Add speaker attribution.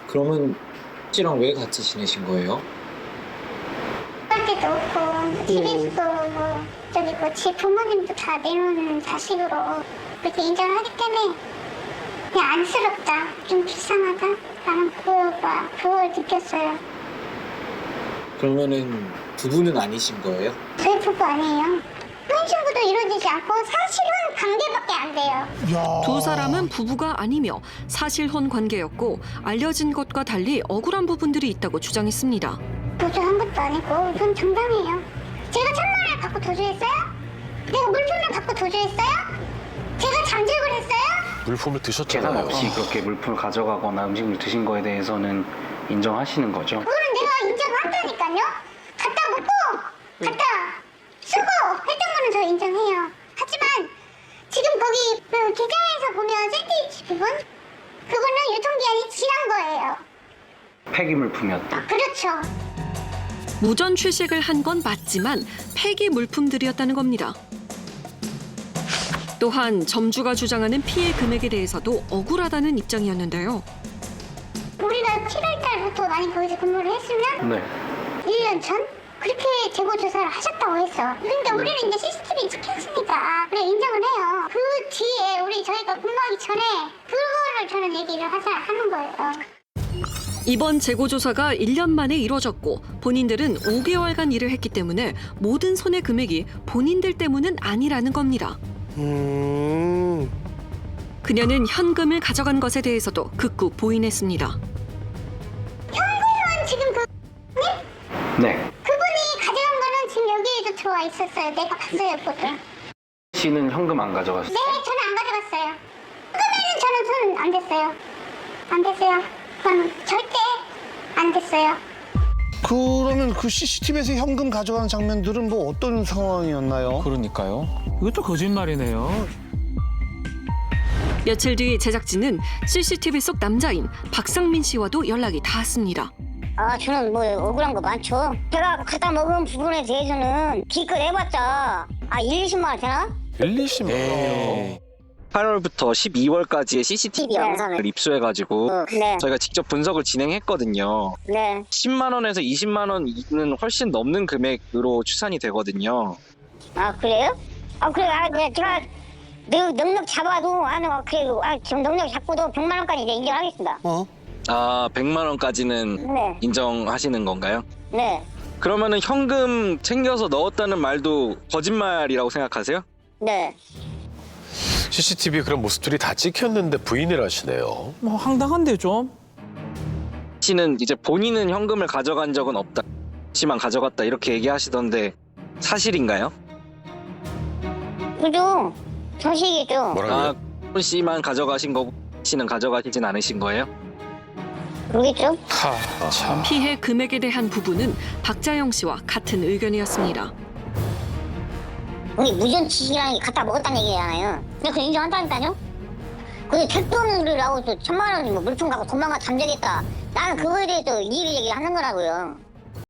Speaker 1: 그러면 씨랑 왜 같이 지내신 거예요?
Speaker 2: 할 때도 없고 TV에서도 뭐 저기 뭐 제 부모님도 다 내놓은 자식으로 그렇게 인정을 하기 때문에 그냥 안쓰럽다, 좀 불쌍하다 라는 그걸 느꼈어요.
Speaker 1: 그러면은 부부는 아니신 거예요?
Speaker 2: 저희 부부 아니에요. 혼인신고도 이루어지지 않고 사실혼 관계밖에 안 돼요.
Speaker 3: 야.
Speaker 4: 두 사람은 부부가 아니며 사실혼 관계였고 알려진 것과 달리 억울한 부분들이 있다고 주장했습니다.
Speaker 2: 도주한 것도 아니고 이건 정당해요. 제가 1,000만 원을 받고 도주했어요? 내가 물품을 받고 도주했어요? 제가 잠적을 했어요?
Speaker 3: 물품을
Speaker 5: 계산
Speaker 3: 드셨잖아요.
Speaker 5: 없이 그렇게 물품을 가져가거나 음식을 드신 거에 대해서는 인정하시는 거죠?
Speaker 2: 그거는 내가 인정한다니까요. 갖다 먹고 갖다 쓰고 했던 거는 저 인정해요. 하지만 지금 거기 그 기장에서 보면 샌드위치 부분 그거는 유통기한이 지난 거예요.
Speaker 5: 폐기 물품이었다.
Speaker 2: 그렇죠.
Speaker 4: 무전 취식을 한 건 맞지만 폐기 물품들이었다는 겁니다. 또한 점주가 주장하는 피해 금액에 대해서도 억울하다는 입장이었는데요.
Speaker 2: 우리가 7월 달부터 많이 거기서 근무를 했으면
Speaker 5: 네.
Speaker 2: 1년 전? 그렇게 재고 조사를 하셨다고 했어. 그러니까 우리는 이제 CCTV 찍혔으니까 그래 인정을 해요. 그 뒤에 저희가 근무하기 전에 그거를 저는 얘기를 하는 거예요.
Speaker 4: 이번 재고조사가 1년 만에 이뤄졌고 본인들은 5개월간 일을 했기 때문에 모든 손해 금액이 본인들 때문은 아니라는 겁니다. 그녀는 현금을 가져간 것에 대해서도 극구 부인했습니다.
Speaker 2: 현금은 지금
Speaker 5: 네.
Speaker 2: 그분이 가져간 거는 지금 여기에도 들어와 있었어요. 내가 봤어요, 보통.
Speaker 5: 씨는 현금 안 가져가셨어요?
Speaker 2: 네, 저는 안 가져갔어요. 현금에는 저는 손 안 댔어요. 안 댔어요. 그건 절대 안 됐어요.
Speaker 3: 그러면 그 CCTV에서 현금 가져가는 장면들은 뭐 어떤 상황이었나요?
Speaker 1: 그러니까요.
Speaker 6: 이것도 거짓말이네요.
Speaker 4: 며칠 뒤 제작진은 CCTV 속 남자인 박상민 씨와도 연락이 닿았습니다.
Speaker 7: 저는 뭐 억울한 거 많죠. 제가 갖다 먹은 부분에 대해서는 기껏 해봤자 1, 20만 원 되나?
Speaker 3: 1, 20만 원.
Speaker 8: 8월부터 12월까지의 CCTV 영상을 입수해가지고
Speaker 7: 네.
Speaker 8: 저희가 직접 분석을 진행했거든요.
Speaker 7: 네.
Speaker 8: 10만 원에서 20만 원은 훨씬 넘는 금액으로 추산이 되거든요.
Speaker 7: 그래요? 그래. 제가 넉넉 잡아도 지금 넉넉 잡고도 100만 원까지 이제 인정하겠습니다.
Speaker 8: 100만 원까지는
Speaker 7: 네.
Speaker 8: 인정하시는 건가요?
Speaker 7: 네.
Speaker 8: 그러면은 현금 챙겨서 넣었다는 말도 거짓말이라고 생각하세요?
Speaker 7: 네.
Speaker 3: CCTV 그런 모습들이 다 찍혔는데 부인을 하시네요.
Speaker 6: 뭐 황당한데 좀.
Speaker 8: 씨는 이제 본인은 현금을 가져간 적은 없다. 씨만 가져갔다 이렇게 얘기하시던데 사실인가요?
Speaker 7: 그죠? 정식이죠.
Speaker 3: 뭐라고요?
Speaker 8: 씨만 가져가신 거고 씨는 가져가시진 않으신 거예요?
Speaker 7: 그러겠죠?
Speaker 3: 참.
Speaker 4: 피해 금액에 대한 부분은 박자영 씨와 같은 의견이었습니다.
Speaker 7: 우리 무전치기랑 갖다 먹었다는 얘기잖아요. 근데 그거 인정한다니까요? 근데 택도 없는 우리를 하고 또 1,000만 원 물품 갖고 도망가 잠적했다. 나는 그거에 대해서 이의를 얘기하는 거라고요.